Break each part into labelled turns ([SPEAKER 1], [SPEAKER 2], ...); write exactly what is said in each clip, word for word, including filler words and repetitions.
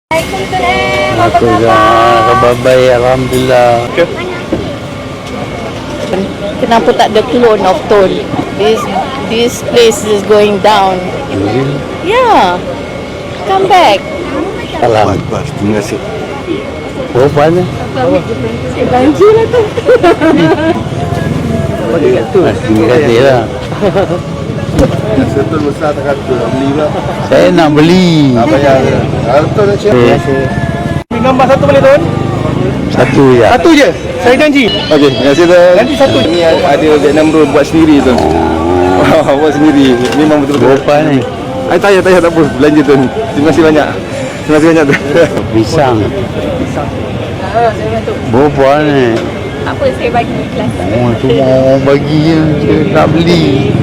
[SPEAKER 1] Aku dah babai, alhamdulillah.
[SPEAKER 2] Kenapa tak ada clone of Tol? This this place is going down. Yeah. Come back.
[SPEAKER 1] Salam.
[SPEAKER 3] Terima kasih.
[SPEAKER 1] Oh, mana?
[SPEAKER 2] Banjir lah tu.
[SPEAKER 1] Terima kasih lah.
[SPEAKER 3] Setul besar tak kata nak beli pula.
[SPEAKER 1] Saya nak beli.
[SPEAKER 3] Tak payah. Harta nak cek.
[SPEAKER 1] Terima kasih.
[SPEAKER 4] Gambar satu boleh Tun?
[SPEAKER 1] Satu je.
[SPEAKER 4] Satu je. Saya janji.
[SPEAKER 3] Okey, terima kasih Tun.
[SPEAKER 4] Nanti satu.
[SPEAKER 3] Ni ada Vietnam roll buat sendiri Tun. Wah, buat sendiri. Memang betul-betul.
[SPEAKER 1] Berapa ni?
[SPEAKER 3] Ay, tak payah, tak payah, tak apa. Belanja Tun. Terima kasih banyak. Terima kasih banyak Tun.
[SPEAKER 1] Pisang. Berapa ni?
[SPEAKER 2] Apa saya bagi ikhlas.
[SPEAKER 1] Oh, cuma orang bagi je. Saya nak beli.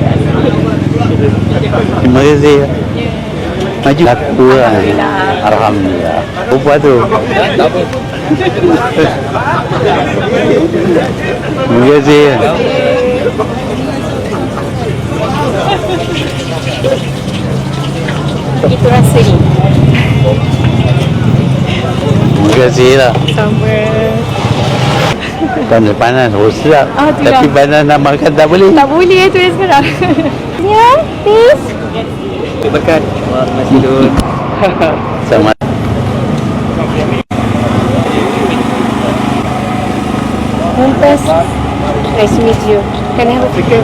[SPEAKER 1] Terima kasih. Maju. Satu lah. Alhamdulillah. Berapa tu? Terima kasih.
[SPEAKER 2] Itu rasa ni.
[SPEAKER 1] Terima kasih lah.
[SPEAKER 2] Sama.
[SPEAKER 1] Kan panas, oh sedap.
[SPEAKER 2] Ah, tu
[SPEAKER 1] Tapi
[SPEAKER 2] lah.
[SPEAKER 1] panas nak makan tak boleh.
[SPEAKER 2] Tak boleh tu sekarang. Ya, please.
[SPEAKER 4] Berkat. Terima kasih Tun.
[SPEAKER 1] Sama.
[SPEAKER 2] Mumtaz. Nice to meet you. Can I have a picture?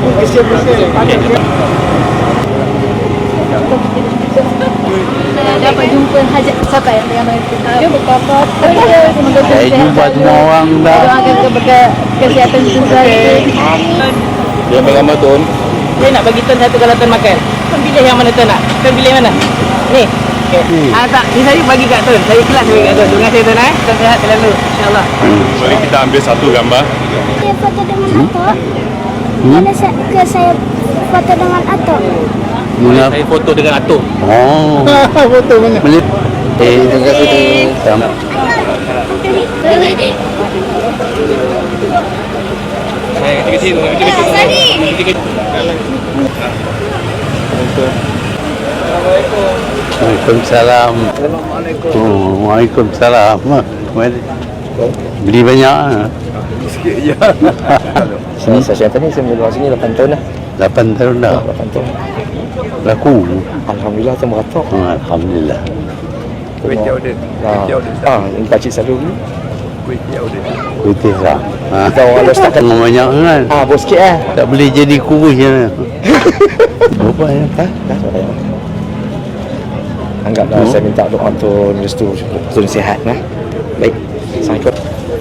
[SPEAKER 2] Dapat jumpa hajat siapa yang yang dia berkata semoga
[SPEAKER 1] Saya jumpa semua orang dah.
[SPEAKER 2] doakan kepada kesihatan tuan.
[SPEAKER 3] Dia ambil gambar Tun.
[SPEAKER 4] Saya nak bagi Tun satu kalau Tun makan. Tun pilih yang mana Tun nak? Tun pilih mana? Ni. Okay. Ah tak, ni saya bagi kat Tun. Saya kelas bagi kat Tun. Terima kasih Tun eh. Tun sihat selalu. Insya-Allah.
[SPEAKER 5] Mari kita ambil satu gambar.
[SPEAKER 6] Saya foto dengan Atok. Boleh saya, ke saya foto dengan Atok?
[SPEAKER 1] Mula.
[SPEAKER 4] Saya foto dengan Atuk.
[SPEAKER 1] Oh.
[SPEAKER 4] Foto mana?
[SPEAKER 1] Boleh. Eh, terima kasih tu. Sama.
[SPEAKER 4] Saya ketika sini. Ketika
[SPEAKER 1] Waalaikumsalam. Oh, Waalaikumsalam. Mari. Beli banyak ah.
[SPEAKER 3] Sikit je.
[SPEAKER 1] Sini
[SPEAKER 7] Saya siapa ni? Saya menjual sini lapan tahun dah.
[SPEAKER 1] lapan tahun dah.
[SPEAKER 7] lapan tahun.
[SPEAKER 1] Laku.
[SPEAKER 7] Alhamdulillah tu meratok.
[SPEAKER 1] Oh, alhamdulillah.
[SPEAKER 3] Kuih tiaw dia. Kuih
[SPEAKER 7] Ah,
[SPEAKER 3] tiaw dia.
[SPEAKER 7] ah, ini pakcik selalu beli.
[SPEAKER 3] Kuih tiaw dia.
[SPEAKER 1] Putih lah. Ha.
[SPEAKER 7] Kita orang dah start kan.
[SPEAKER 1] Tengok banyak kan.
[SPEAKER 7] Ah, bos sikit eh.
[SPEAKER 1] Tak boleh jadi kurus je. Berapa ya?
[SPEAKER 7] Ha? Dah tak payah. Anggaplah
[SPEAKER 1] Hmm.
[SPEAKER 7] saya minta doa untuk restu Tun sihat nah. Baik. Assalamualaikum.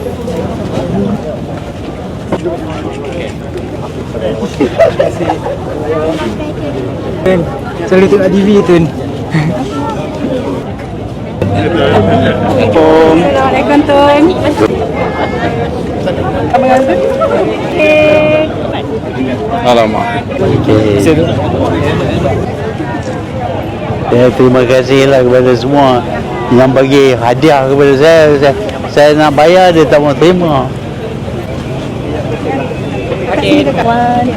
[SPEAKER 4] Tun. Selalu tengok T V Tun.
[SPEAKER 2] Assalamualaikum Tun.
[SPEAKER 3] Alamak.
[SPEAKER 1] Okay. Ya, terima kasihlah kepada semua yang bagi hadiah kepada saya. Saya, saya nak bayar dia tak mau terima.
[SPEAKER 2] Okey,